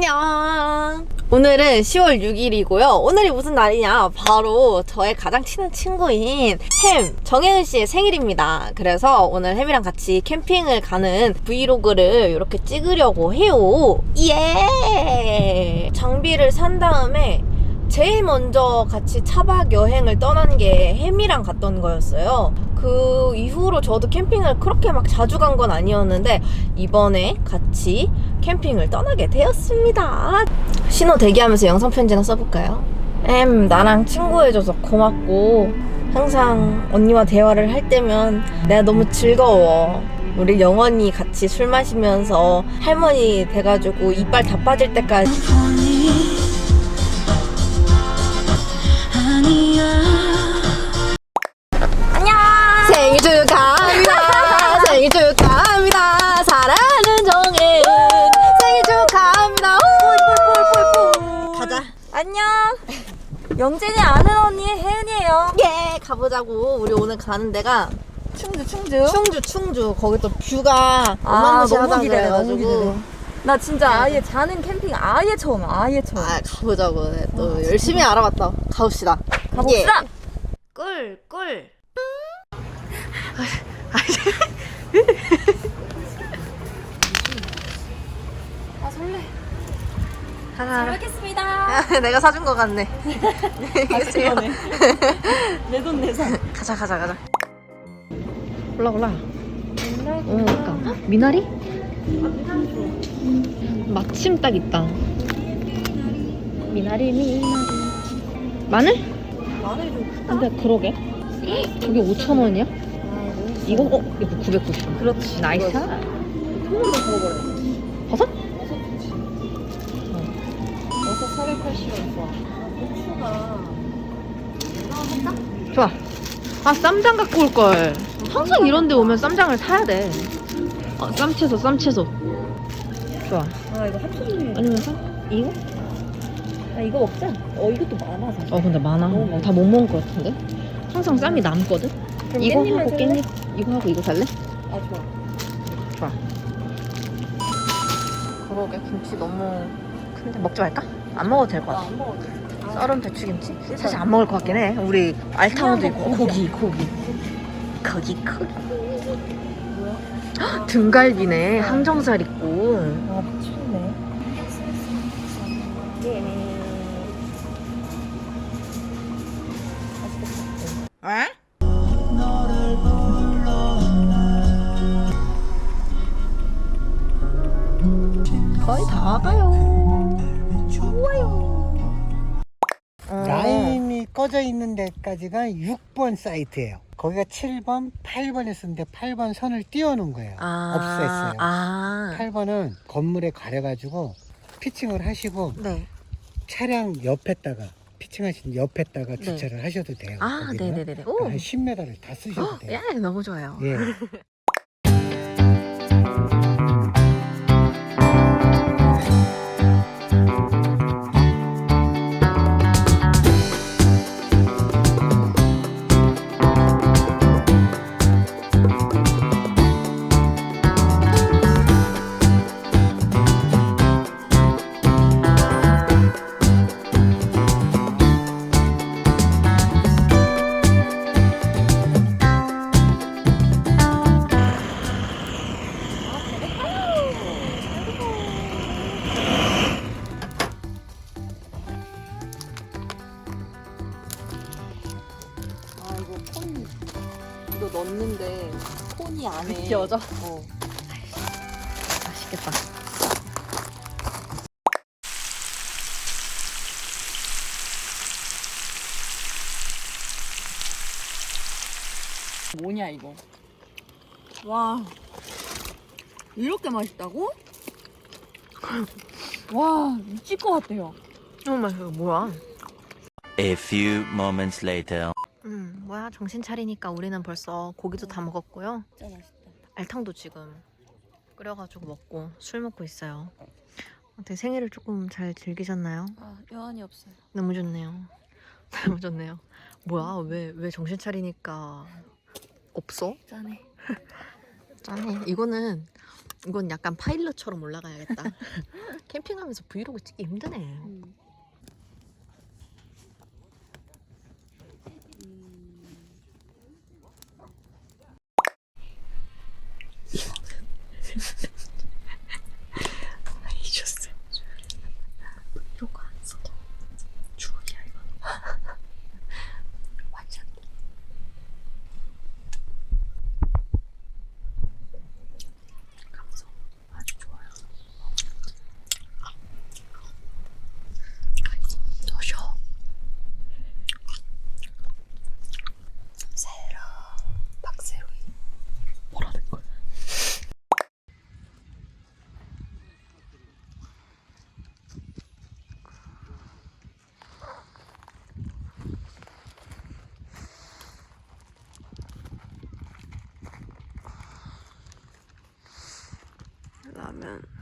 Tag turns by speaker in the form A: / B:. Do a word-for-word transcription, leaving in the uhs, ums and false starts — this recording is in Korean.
A: 안녕. 오늘은 시월 육일이고요. 오늘이 무슨 날이냐? 바로 저의 가장 친한 친구인 햄, 정혜은 씨의 생일입니다. 그래서 오늘 햄이랑 같이 캠핑을 가는 브이로그를 이렇게 찍으려고 해요. 예! 장비를 산 다음에 제일 먼저 같이 차박 여행을 떠난 게 햄이랑 갔던 거였어요. 그 이후로 저도 캠핑을 그렇게 막 자주 간 건 아니었는데 이번에 같이 캠핑을 떠나게 되었습니다. 신호 대기하면서 영상 편지나 써볼까요? 햄, 나랑 친구해줘서 고맙고 항상 언니와 대화를 할 때면 내가 너무 즐거워. 우리 영원히 같이 술 마시면서 할머니 돼가지고 이빨 다 빠질 때까지 안녕! 생일 축하합니다. 생일 축하합니다. 사랑하는 정혜은 생일 축하합니다. 뽀뽀뽀뽀뽀. 가자.
B: 안녕. 영진이 아는 언니 혜은이에요.
A: 예, 가보자고. 우리 오늘 가는 데가
B: 충주 충주.
A: 충주 충주. 거기 또 뷰가
B: 아,
A: 어마무시하다
B: 너무 기대돼, 너무
A: 그래가지고.
B: 기대돼. 나 진짜 아예 자는 캠핑 아예 처음 아예 처음.
A: 아, 가보자고. 네, 또 아, 열심히 알아봤다. 가봅시다.
B: 가봅시다.
A: 예. 꿀, 꿀.
B: 아 설레.
A: 하나.
B: 잘 먹겠습니다.
A: 내가 사준 거 같네.
B: 내 돈 내산.
A: 가자, 가자, 가자. 골라, 골라. 어, 그니까. 미나리? 마침 딱 있다. 미나리, 미나리. 마늘?
B: 마늘이 좀 크다.
A: 근데 그러게. 저게 오천 원이야? 이거, 어? 이거 구백구십 원.
B: 그렇지.
A: 나이스.
B: 통으로 먹어버려.
A: 버섯?
B: 버섯 사백팔십 원 좋아. 고추가.
A: 좋아. 아, 쌈장 갖고 올걸. 항상 이런 데 오면 쌈장을 사야 돼. 어, 쌈채소, 쌈채소. 좋아.
B: 아 이거 합쳐주네.
A: 아니면 사? 이거?
B: 아 이거 먹자. 어 이것도 많아 사실.
A: 어, 근데 많아.
B: 너무 많아.
A: 다 못 먹을 것 같은데? 항상 쌈이 남거든?
B: 그럼
A: 이거
B: 깻잎만
A: 하고
B: 살래?
A: 깻잎, 이거 하고 이거 살래?
B: 아 좋아.
A: 좋아. 그러게, 김치 너무 큰데 먹지 말까? 안 먹어도 될 것 같아.
B: 나안 먹어도 돼. 아,
A: 썰은 배추김치? 사실 안 먹을 것 같긴 해. 우리 알탕도 있고 고기, 고기. 고기, 고기.
B: 뭐야?
A: 헉, 등갈비네. 항정살 있고.
B: 아 미쳤네. 예.
A: 에? 거의 다 가요. 좋아요. 어.
C: 라인이 꺼져 있는 데까지가 육 번 사이트예요. 거기가 칠 번, 팔 번에 쓰는데 팔 번 선을 띄워놓은 거예요.
A: 아,
C: 없앴어요.
A: 아.
C: 팔 번은 건물에 가려가지고 피칭을 하시고
A: 네.
C: 차량 옆에다가 피칭하신 옆에다가
A: 네.
C: 주차를 하셔도 돼요.
A: 아,
C: 거기는.
A: 네네네네. 오.
C: 한 십 미터를 다 쓰셔도 돼요.
A: 예, 너무 좋아요.
C: 예.
A: 아, 이거 콘 이거 넣는데 콘이 안에
B: 느껴져?
A: 어. 맛있겠다.
B: 뭐냐 이거. 와 이렇게 맛있다고? 와 미칠 것 같아요.
A: 정말 이거 뭐야?
D: A few moments later.
A: 음, 뭐야? 정신 차리니까 우리는 벌써 고기도 다 먹었고요.
B: 진짜 맛있다.
A: 알탕도 지금 끓여가지고 먹고 술 먹고 있어요. 어떻게 생일을 조금 잘 즐기셨나요?
B: 아 여한이 없어요.
A: 너무 좋네요. 너무 좋네요. 뭐야? 왜, 왜 정신 차리니까 없어?
B: 짠해.
A: 짠해. 이거는 이건 약간 파일럿처럼 올라가야겠다. 캠핑하면서 브이로그 찍기 힘드네.
B: 음.
A: 잊었어. 브이로그 안 써도 추억이야 이거. 완전. 감성 아주 좋아요. 더 쉬어. 세로 박세로이 뭐라는 거야? 라면